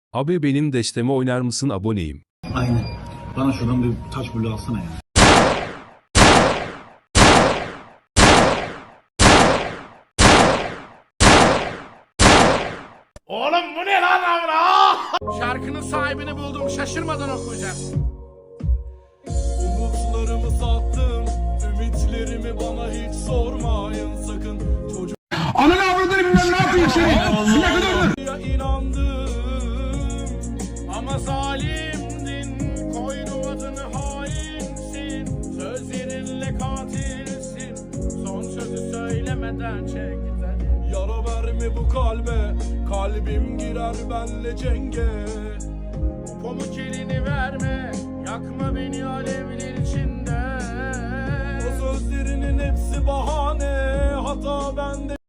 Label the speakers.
Speaker 1: Abi benim desteme oynar mısın, aboneyim.
Speaker 2: Aynen. Bana şuradan bir taş bulu alsana ya.
Speaker 3: Oğlum bu ne lan amına? Şarkının sahibini buldum, şaşırmadan okuyacağım.
Speaker 4: Umutlarımı sattım, ümitlerimi bana hiç sormayın sakın. Çocuk
Speaker 5: Ananı avradını bilmem ne yapayım seni. Ne kadar
Speaker 4: ya inandım.
Speaker 3: Ama zalimdin, koydum adını hainsin. Sözlerinle katilsin, son sözü söylemeden çek git hadi.
Speaker 4: Yara verme bu kalbe, kalbim girer benle cenge.
Speaker 3: Pamuk elini verme, yakma beni alevler içinde.
Speaker 4: O sözlerinin hepsi bahane, hata bende.